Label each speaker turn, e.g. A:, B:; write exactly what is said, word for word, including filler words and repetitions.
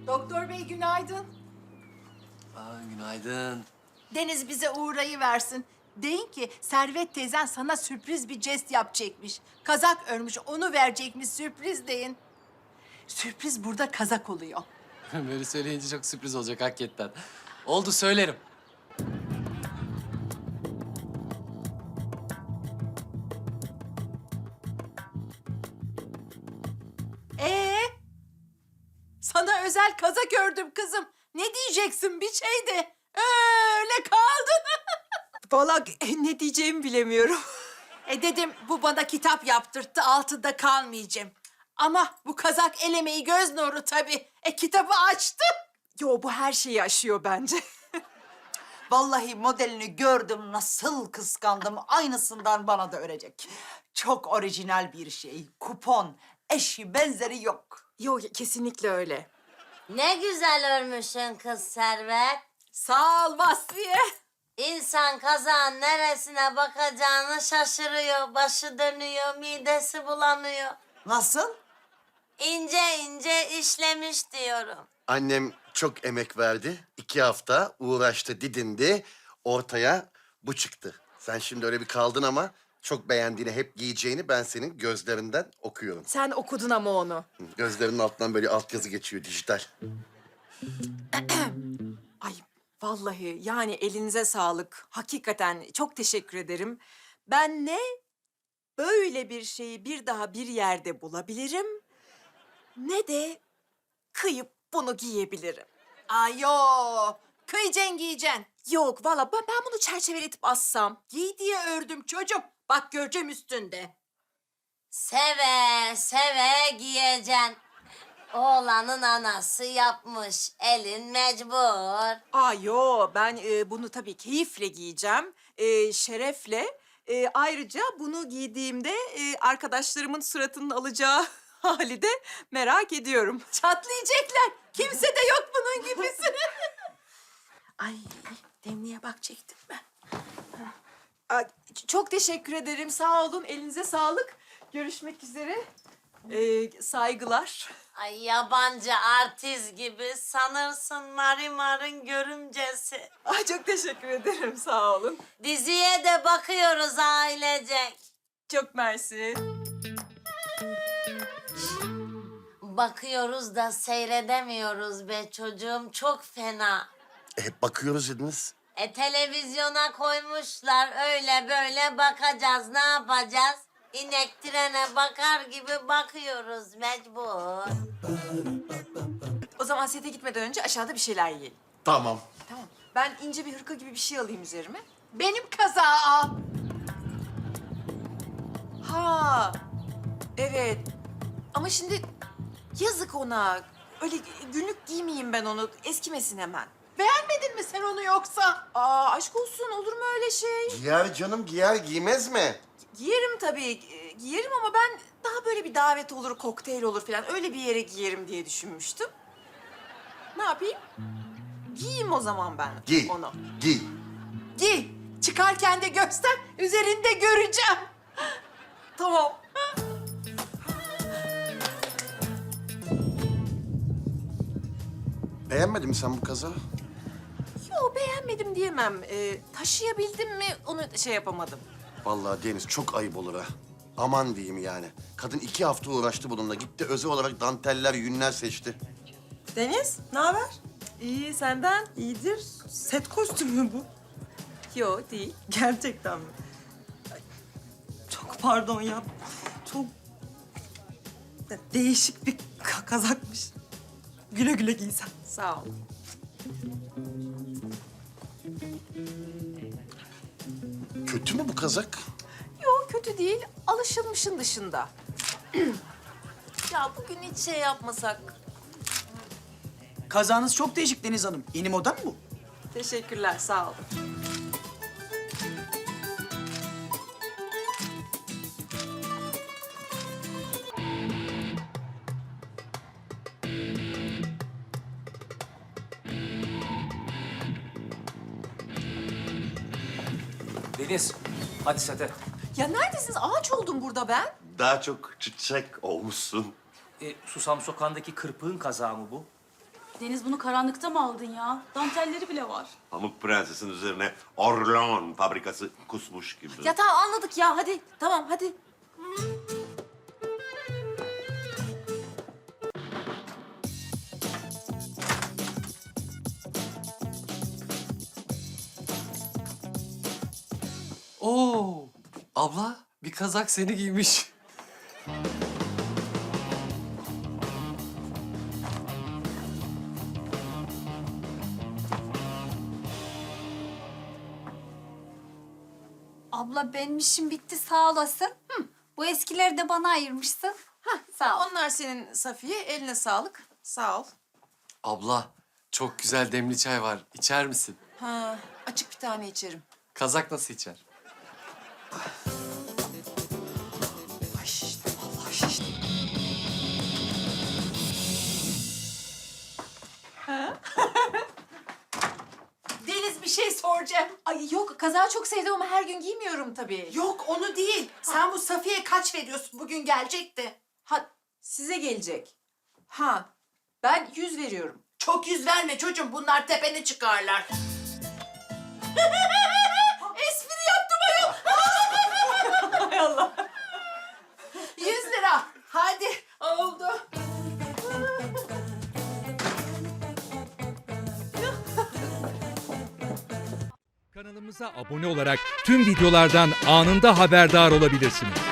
A: Doktor bey günaydın.
B: Aa, günaydın.
A: Deniz bize uğrayı versin. Deyin ki Servet teyzen sana sürpriz bir jest yapacakmış. Kazak örmüş, onu verecekmiş sürpriz deyin. Sürpriz burada kazak oluyor.
B: Böyle söyleyince çok sürpriz olacak hakikaten. Oldu, söylerim.
A: Ee? Sana özel kazak ördüm kızım. Ne diyeceksin bir şey de. Öyle kaldın.
C: Vallahi ne diyeceğimi bilemiyorum.
A: E dedim bu bana kitap yaptırttı, altında kalmayacağım. Ama bu kazak el emeği göz nuru tabii. E kitabı açtı.
C: Yo, bu her şeyi aşıyor bence.
D: Vallahi modelini gördüm, nasıl kıskandım. Aynısından bana da örecek. Çok orijinal bir şey. Kupon, eşi benzeri yok.
C: Yo, kesinlikle öyle.
E: Ne güzel örmüşsün kız Servet.
A: Sağ ol Vasfiye.
E: İnsan kazağın neresine bakacağını şaşırıyor. Başı dönüyor, midesi bulanıyor.
D: Nasıl?
E: İnce ince işlemiş diyorum.
F: Annem çok emek verdi. İki hafta uğraştı, didindi. Ortaya bu çıktı. Sen şimdi öyle bir kaldın ama çok beğendiğini, hep giyeceğini ben senin gözlerinden okuyorum.
C: Sen okudun ama onu.
F: Gözlerinin altından böyle altyazı geçiyor, dijital.
C: Ay vallahi yani elinize sağlık. Hakikaten çok teşekkür ederim. Ben ne böyle bir şeyi bir daha bir yerde bulabilirim, ne de kıyıp bunu giyebilirim.
A: Ay yo. Kıyacaksın giyeceksin.
C: Yok vallahi ben, ben bunu çerçeveletip assam.
A: Giy diye ördüm çocuğum. Bak göreceğim üstünde.
E: Seve seve giyeceksin. Oğlanın anası yapmış. Elin mecbur.
C: Aa yo, ben e, bunu tabii keyifle giyeceğim, e, şerefle. E, ayrıca bunu giydiğimde e, arkadaşlarımın suratının alacağı hali de merak ediyorum.
A: Çatlayacaklar. Kimse de yok bunun gibisi.
C: Ay, Demli'ye bakacaktım ben. Aa, ç- çok teşekkür ederim, sağ olun, elinize sağlık. Görüşmek üzere. Ee, saygılar.
E: Ay yabancı artist gibi sanırsın Marimar'ın görümcesi.
C: Ay, çok teşekkür ederim, sağ olun.
E: Diziye de bakıyoruz ailecek.
C: Çok mersi.
E: Bakıyoruz da seyredemiyoruz be çocuğum. Çok fena.
F: E, hep bakıyoruz dediniz.
E: E televizyona koymuşlar. Öyle böyle bakacağız. Ne yapacağız? İnek trene bakar gibi bakıyoruz mecbur.
C: O zaman sete gitmeden önce aşağıda bir şeyler yiyelim.
F: Tamam.
C: Tamam. Ben ince bir hırka gibi bir şey alayım üzerime.
A: Benim kazağı al.
C: Ha, evet. Ama şimdi yazık ona. Öyle günlük giymeyeyim ben onu. Eskimesin hemen.
A: Beğenmedin mi sen onu yoksa?
C: Aa, aşk olsun, olur mu öyle şey?
F: Giyer canım, giyer giymez mi?
C: Giyerim tabii, e, giyerim ama ben daha böyle bir davet olur, kokteyl olur falan öyle bir yere giyerim diye düşünmüştüm. Ne yapayım? Giyeyim o zaman ben
F: Giy,
C: onu.
F: giy.
A: Giy. Çıkarken de göster. Üzerinde göreceğim.
C: Tamam.
F: Beğenmedin mi sen bu kazağı?
C: Yo, beğenmedim diyemem. Ee, taşıyabildim mi onu şey yapamadım.
F: Vallahi Deniz çok ayıp olur ha. Aman diyeyim yani. Kadın iki hafta uğraştı bununla. Gitti özel olarak danteller, yünler seçti.
G: Deniz, ne haber? İyi, senden? İyidir. Set kostümü mü bu?
C: Yo, değil.
G: Gerçekten mi? Ay, çok pardon ya. Çok değişik bir ka- kazakmış. Güle güle giysen.
C: Sağ ol.
F: Kötü mü bu kazak?
C: Yo, kötü değil. Alışılmışın dışında. Ya bugün hiç şey yapmasak.
H: Kazağınız çok değişik Deniz Hanım. Yeni moda mı bu?
C: Teşekkürler, sağ olun.
B: Deniz, hadi sete.
C: Ya neredesiniz? Ağaç oldum burada ben.
F: Daha çok çiçek olmuşsun.
I: E, Susam Sokağı'ndaki kırpığın kazağı mı bu? Deniz bunu karanlıkta mı aldın ya? Dantelleri bile var.
J: Pamuk Prenses'in üzerine Orlean fabrikası kusmuş gibi.
C: Ya tamam anladık ya hadi tamam hadi.
B: Oo, abla bir kazak seni giymiş.
K: Abla benim işim bitti sağ olasın. Hı, bu eskileri de bana ayırmışsın.
C: Hah sağ ol. Onlar senin Safiye eline sağlık. Sağ ol.
B: Abla çok güzel demli çay var. İçer misin?
C: Ha açık bir tane içerim.
B: Kazak nasıl içer?
C: Ay şiştim vallahi şiştim.
A: Deniz bir şey soracağım.
C: Ay yok kazağı çok sevdim ama her gün giymiyorum tabii.
A: Yok onu değil. Sen bu Safiye'ye kaç veriyorsun? Bugün gelecekti.
C: Ha size gelecek. Ha ben yüz veriyorum.
A: Çok yüz verme çocuğum. Bunlar tepene çıkarlar. Espri yaptım ayol.
C: Hay Allah.
A: Yüz lira. Hadi oldu.
L: Kanalımıza abone olarak tüm videolardan anında haberdar olabilirsiniz.